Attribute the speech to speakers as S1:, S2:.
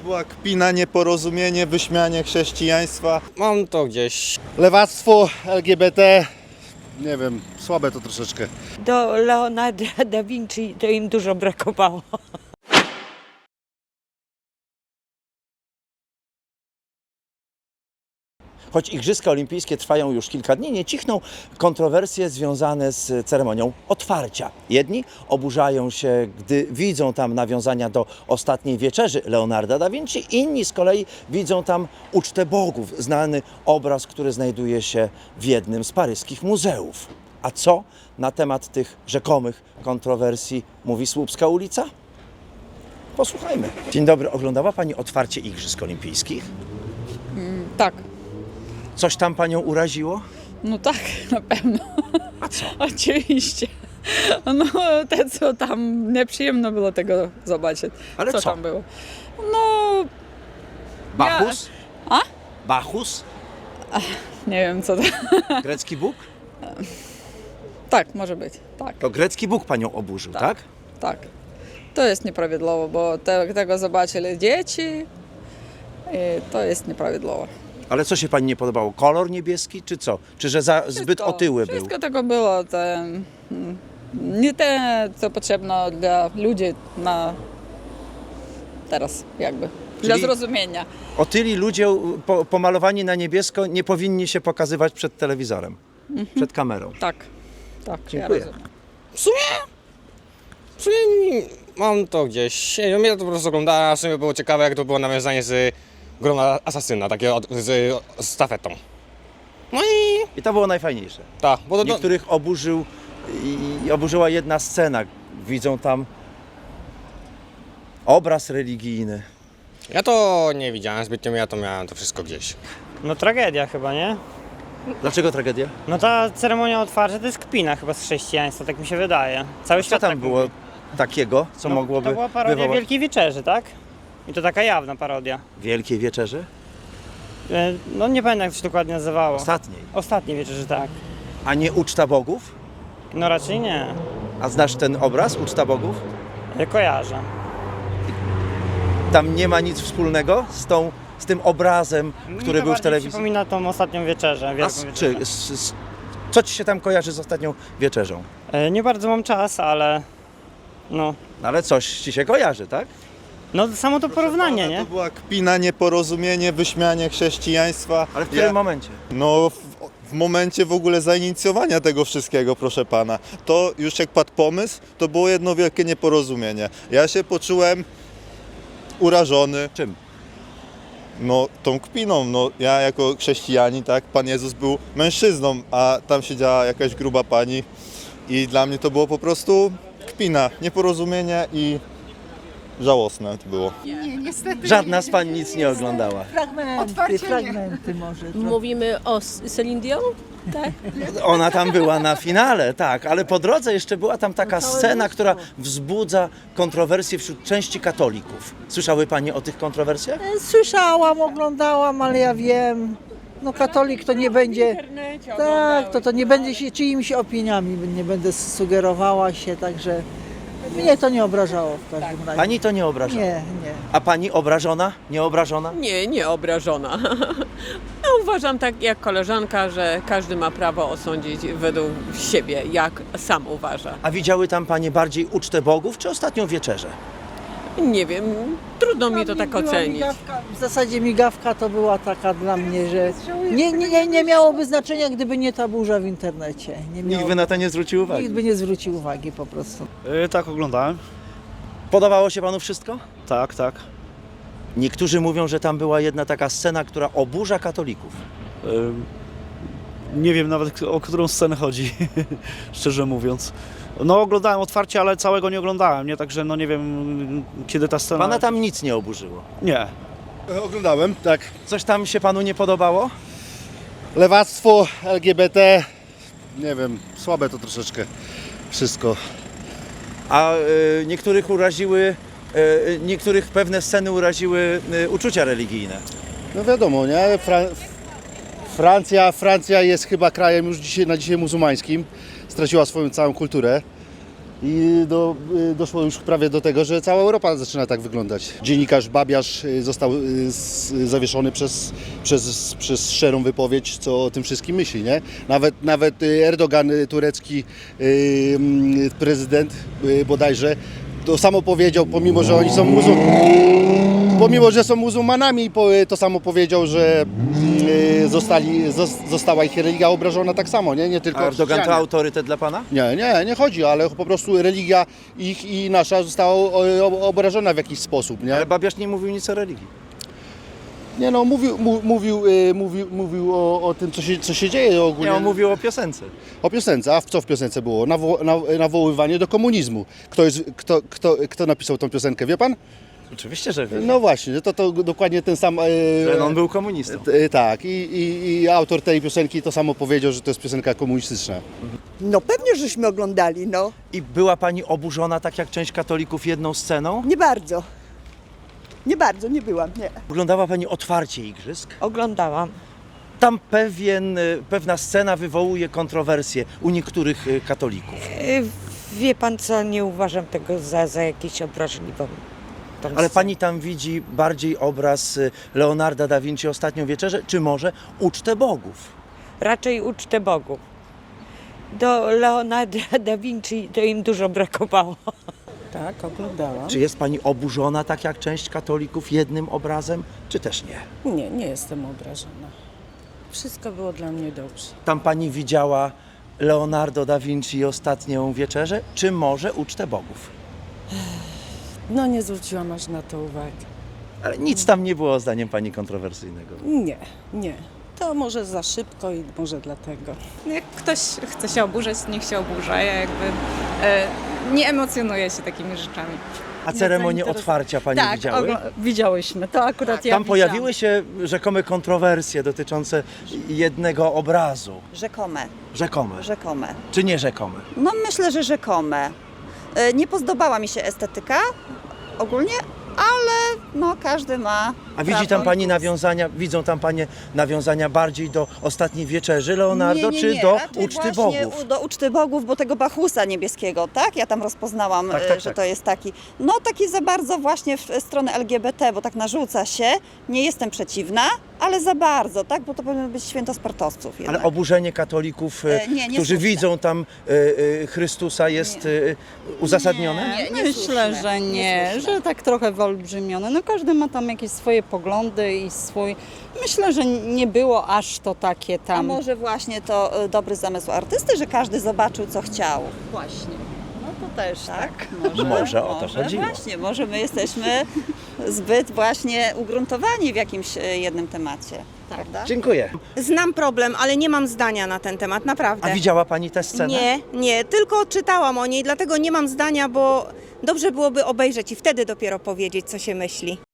S1: była kpina, nieporozumienie, wyśmianie chrześcijaństwa.
S2: Mam to gdzieś.
S3: Lewactwo, LGBT, nie wiem, słabe to troszeczkę.
S4: Do Leonarda da Vinci to im dużo brakowało.
S5: Choć Igrzyska Olimpijskie trwają już kilka dni, nie cichną kontrowersje związane z ceremonią otwarcia. Jedni oburzają się, gdy widzą tam nawiązania do ostatniej wieczerzy Leonarda da Vinci, inni z kolei widzą tam ucztę bogów, znany obraz, który znajduje się w jednym z paryskich muzeów. A co na temat tych rzekomych kontrowersji mówi Słupska ulica? Posłuchajmy. Dzień dobry, oglądała Pani otwarcie Igrzysk Olimpijskich?
S6: Tak,
S5: Coś tam Panią uraziło?
S6: no tak, na pewno.
S5: A co?
S6: Oczywiście. No, te co tam, nieprzyjemno było tego zobaczyć.
S5: Ale co?
S6: Tam było? No,
S5: Bacchus?
S6: A?
S5: Bacchus?
S6: nie wiem co to.
S5: Grecki Bóg?
S6: Tak, może być, tak,
S5: To grecki Bóg Panią oburzył, tak?
S6: tak. To jest nieprawidłowo, bo tego zobaczyli dzieci i to jest nieprawidłowo.
S5: Ale co się Pani nie podobało? Kolor niebieski czy co? Czy że zbyt otyły był?
S6: Wszystko tego było, nie te, co potrzebne dla ludzi na teraz, jakby, dla
S5: Czyli-
S6: zrozumienia.
S5: Otyli ludzie pomalowani na niebiesko nie powinni się pokazywać przed telewizorem, przed kamerą.
S6: Tak, tak,
S5: Dziękuję.
S6: ja rozumiem.
S2: W sumie mam to gdzieś. Nie wiem, ja to po prostu oglądałem, a w sumie było ciekawe, jak to było nawiązanie z grona asasyna, takie z stafetą. No
S5: I to było najfajniejsze.
S2: tak, bo to,
S5: Niektórych oburzył i oburzyła jedna scena. Widzą tam obraz religijny.
S2: ja to nie widziałem zbytnio, ja to miałem to wszystko gdzieś.
S7: No tragedia chyba, nie?
S5: Dlaczego tragedia?
S7: No ta ceremonia otwarcia to jest kpina chyba z chrześcijaństwa, tak mi się wydaje. Cały
S5: Co
S7: świat
S5: tam
S7: tak
S5: było
S7: mówi.
S5: takiego, co
S7: No,
S5: mogłoby
S7: to była parodia
S5: wywołać
S7: Wielkiej Wieczerzy, tak? I to taka jawna parodia.
S5: Wielkiej Wieczerzy?
S7: No nie pamiętam jak to się dokładnie nazywało.
S5: Ostatniej.
S7: Ostatniej wieczerzy, tak.
S5: A nie uczta bogów?
S7: No raczej nie.
S5: A znasz ten obraz, uczta bogów?
S7: Kojarzę.
S5: Tam nie ma nic wspólnego z tym obrazem, który
S7: Mi to
S5: był w
S7: bardziej
S5: telewizji.
S7: przypomina tą ostatnią wieczerzę,
S5: A
S7: wielką wieczerzę.
S5: co ci się tam kojarzy z ostatnią wieczerzą?
S7: Nie bardzo mam czas, ale no.
S5: No ale coś ci się kojarzy, tak?
S7: No samo to porównanie,
S1: Pana,
S7: nie?
S1: to była kpina, nieporozumienie, wyśmianie chrześcijaństwa.
S5: Ale w którym momencie?
S1: No w momencie w ogóle zainicjowania tego wszystkiego, proszę pana. To już jak padł pomysł, to było jedno wielkie nieporozumienie. Ja się poczułem urażony.
S5: Czym?
S1: No tą kpiną, no ja jako chrześcijanin, tak, Pan Jezus był mężczyzną, a tam siedziała jakaś gruba pani i dla mnie to było po prostu kpina, nieporozumienie i żałosne to było.
S5: Żadna z pań nic nie oglądała.
S8: Fragmenty może.
S9: Mówimy o Celine Dion? Tak?
S5: Ona tam była na finale, tak, ale po drodze jeszcze była tam taka scena, która wzbudza kontrowersje wśród części katolików. Słyszały Panie o tych kontrowersjach?
S8: Słyszałam, oglądałam, ale ja wiem, no katolik to nie będzie, tak, to nie będzie się czyimiś opiniami, nie będę sugerowała się, także mnie to nie obrażało w każdym razie.
S5: Pani to nie obraża.
S8: Nie, nie.
S5: A Pani obrażona? Nie obrażona?
S9: Nie, nie obrażona. No, uważam tak jak koleżanka, że każdy ma prawo osądzić według siebie, jak sam uważa.
S5: A widziały tam Panie bardziej ucztę bogów czy ostatnią wieczerzę?
S9: Nie wiem, trudno mi to tak
S8: Była
S9: ocenić.
S8: migawka, w zasadzie migawka to była taka dla mnie, że nie miałoby znaczenia, gdyby nie ta burza w internecie.
S5: Nikt by na to nie zwrócił uwagi.
S8: Nikt by nie zwrócił uwagi po prostu.
S3: Tak, oglądałem.
S5: Podobało się Panu wszystko?
S3: Tak, tak.
S5: Niektórzy mówią, że tam była jedna taka scena, która oburza katolików.
S3: Nie wiem nawet o którą scenę chodzi, szczerze mówiąc. No oglądałem otwarcie, ale całego nie oglądałem, nie? Także no nie wiem kiedy ta scena...
S5: Pana tam nic nie oburzyło.
S3: Nie.
S10: Oglądałem, tak.
S5: Coś tam się Panu nie podobało?
S3: Lewactwo, LGBT, nie wiem, słabe to troszeczkę wszystko.
S5: A niektórych uraziły, niektórych pewne sceny uraziły uczucia religijne.
S3: No wiadomo, nie? Francja jest chyba krajem już na dzisiaj muzułmańskim. Straciła swoją całą kulturę.
S10: i doszło już prawie do tego, że cała Europa zaczyna tak wyglądać. Dziennikarz Babiarz został zawieszony przez szczerą wypowiedź, co o tym wszystkim myśli, nie? Nawet Erdogan, turecki prezydent bodajże, to samo powiedział, pomimo że oni są muzułmanami, to samo powiedział, że została ich religia obrażona tak samo, nie tylko
S5: A Erdogan to
S10: chrześcijanie.
S5: autorytet dla pana?
S10: Nie chodzi, ale po prostu religia ich i nasza została obrażona w jakiś sposób, nie?
S5: Ale Babiarz nie mówił nic o religii.
S10: Nie no, mówił o tym, co się dzieje ogólnie.
S5: Nie, on mówił o piosence.
S10: O piosence, a co w piosence było? Nawoływanie do komunizmu. Kto napisał tą piosenkę, wie pan?
S5: Oczywiście, że wiem.
S10: No właśnie, to dokładnie ten sam...
S5: Że on był komunistą.
S10: Tak, i autor tej piosenki to samo powiedział, że to jest piosenka komunistyczna.
S11: No pewnie, żeśmy oglądali, no.
S5: I była pani oburzona, tak jak część katolików, jedną sceną?
S11: Nie bardzo. Nie byłam, nie.
S5: Oglądała pani otwarcie igrzysk?
S4: Oglądałam.
S5: Tam pewna scena wywołuje kontrowersje u niektórych katolików.
S4: Wie pan co, nie uważam tego za jakieś obraźliwą.
S5: Ale pani tam widzi bardziej obraz Leonarda da Vinci, Ostatnią Wieczerzę, czy może Ucztę Bogów?
S4: Raczej ucztę Bogów. Do Leonarda da Vinci to im dużo brakowało.
S11: Tak, oglądałam.
S5: Czy jest pani oburzona, tak jak część katolików, jednym obrazem, czy też nie?
S11: Nie jestem obrażona. Wszystko było dla mnie dobrze.
S5: Tam pani widziała Leonardo da Vinci i Ostatnią Wieczerzę, czy może Ucztę Bogów?
S11: No nie zwróciłam aż na to uwagi.
S5: Ale nic tam nie było, zdaniem pani, kontrowersyjnego.
S11: Nie. To może za szybko i może dlatego.
S6: Jak ktoś chce się oburzać, niech się oburza. Ja jakby nie emocjonuję się takimi rzeczami.
S5: A ceremonię otwarcia pani widziały?
S11: Widziałyśmy. To akurat
S5: Tam pojawiły się rzekome kontrowersje dotyczące jednego obrazu.
S12: Rzekome.
S5: Rzekome. Czy nie rzekome?
S12: No myślę, że rzekome. Nie podobała mi się estetyka ogólnie, ale no każdy ma.
S5: A widzi tam pani nawiązania, widzą tam panie nawiązania bardziej do Ostatniej Wieczerzy Leonardo, czy do
S12: raczej
S5: Uczty
S12: właśnie
S5: Bogów?
S12: Do Uczty Bogów, bo tego Bachusa niebieskiego, tak? Ja tam rozpoznałam,
S5: Tak.
S12: że to jest taki, no taki za bardzo właśnie w stronę LGBT, bo tak narzuca się. Nie jestem przeciwna, ale za bardzo, tak? Bo to powinno być święto sportowców jednak.
S5: Ale oburzenie katolików,
S12: nie
S5: którzy
S12: słuszne.
S5: widzą tam Chrystusa, jest uzasadnione?
S6: Myślę, że nie, że tak trochę wyolbrzymione. No każdy ma tam jakieś swoje poglądy i swój... Myślę, że nie było aż to takie
S12: A
S6: tam...
S12: może właśnie to dobry zamysł artysty, że każdy zobaczył, co chciał.
S6: Właśnie. No to też
S12: Tak?
S5: Może o to chodziło.
S12: Właśnie, może my jesteśmy zbyt właśnie ugruntowani w jakimś jednym temacie. Prawda?
S5: Dziękuję.
S13: Znam problem, ale nie mam zdania na ten temat, naprawdę.
S5: A widziała pani tę scenę?
S13: Nie, tylko czytałam o niej, dlatego nie mam zdania, bo dobrze byłoby obejrzeć i wtedy dopiero powiedzieć, co się myśli.